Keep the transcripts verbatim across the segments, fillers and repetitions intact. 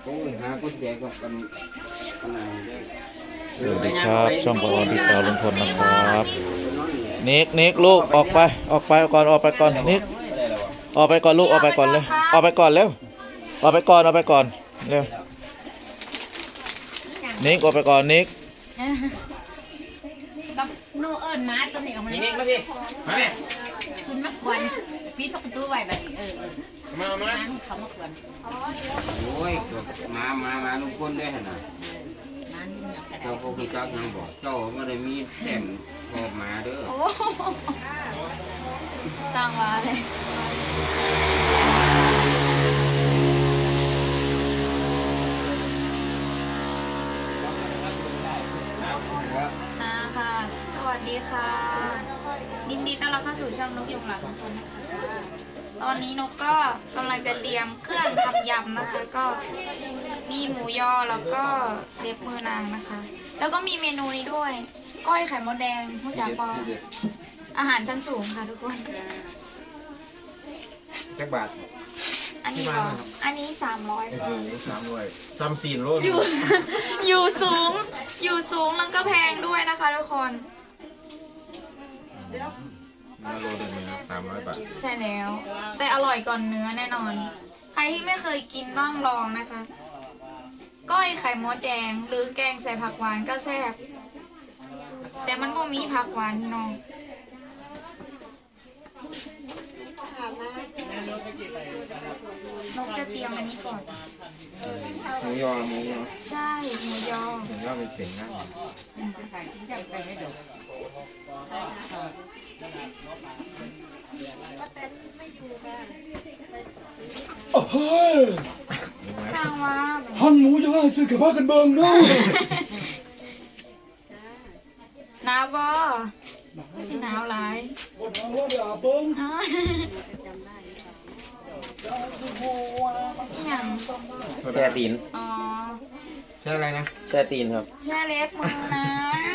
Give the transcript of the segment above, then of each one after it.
โอ้ยหาคนแก่ก็กันขนาดได้สวัสดีครับช่องปอพี่สาวลุงพลนะครับนิกนิกลูกออกไปออกไปก่อนออกไปก่อนนิกออกไปก่อนลูกออกไปก่อนเลยออกไปก่อนเร็วออกไปก่อนออกไปก่อนเร็วนิกออกไปก่อนนิกบักโนเอิญมาตัวนี้ออกมานี่เลยนี่มาพี่มาแม่คุณมากวนปีนประตูไว้แบบนี้เออเออมามานั่งเขามากวนโอ้ยมามามาลุงพลได้ขนาดนั่นยังกระไดเจ้าพวกพี่จักยังบอกเจ้าไม่ได้มีแต่งออกมาเด้อโอ้สร้างมาเลยนะค่ะ สวัสดีค่ะยินดีต้อนรับเข้าสู่ช่องนกยุงหลังของคนนะคะตอนนี้นกก็กำลังจะเตรียมเครื่องทำยำนะคะ ก็มีหมูยอแล้วก็เล็บมือนางนะคะ แล้วก็มีเมนูนี้ด้วย ก้อยไข่มดแดงผู้จ่าปออาหารชั้นสูงค่ะทุกคนจักบาทอันนี้ก็อันนี้สามร้อยโอ้โหสามร้อยซัมซีนโลดอยู่ อยู่สูง อยู่สูงแล้วก็แพงด้วยนะคะทุกคนมาโลนึงนะครับสามร้อยบาทใช่แล้ว แต่อร่อยก่อนเนื้อแน่นอน ใครที่ไม่เคยกินต้องลองนะคะ ก้อยไข่มดแดงหรือแกงใส่ผักหวานก็แซ่บแต่มันก็มีผักหวานพี่น้องนกจะเตรียมอันนี้ก่อนหมูยอหมูยอใช่หมูยอหมูยอเป็นเสียงนะใครที่จะไปให้ดูสร้างว่าฮันหมูยอซื้อกับบ้ากันเบิ่งเนาะหนาวบ่ก็สิหนาวหลายบนเอาว่าเดี๋ยวเบิ่งอ๋ออหย่างแช่ตีนอ๋อใช่อะไรนะแช่ตีนครับแช่เล็บมือนะ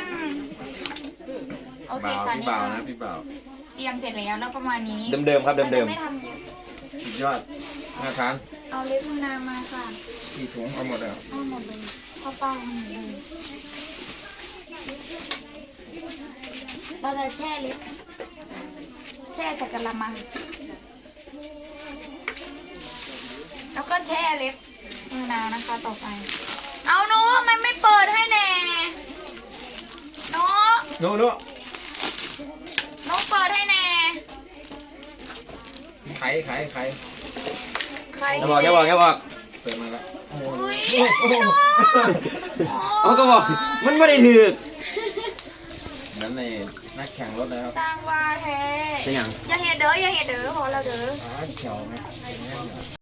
โอเคบ่าวค่ะพี่นี่บ่าวนะพี่บ่าวเตรียมเสร็จแล้วแล้วประมาณนี้เดิมๆครับเดิมราจะไม่ทำเยอะสุดยอดน่าทานเอาเล็บมือนางมาค่ะกี่ถุงเอาหมดแล้วเอาหมดเลยข้าวเปล่าหมดเลยเราจะแช่เล็บแช่ใส่กระมังแล้วก็แช่เล็บมือนางนะคะต่อไป เอาหนูมันไม่เปิดให้แน่หนูโน่โน่หนูเปิดให้แน่ไข่ไข่ไข่ใครๆอย่าบอกอย่าบอกอย่าบอกเปิดมาแล้วอุ๊ยเขาก็บอกมันไม่ได้ถือนั้นในนักแข่งรถนะครับสร้างว่าแท้เป็นอย่างอย่าเห็ดเด้ออย่าเห็ดเด้อพอแล้วเด้ออ๋อเขียวไหม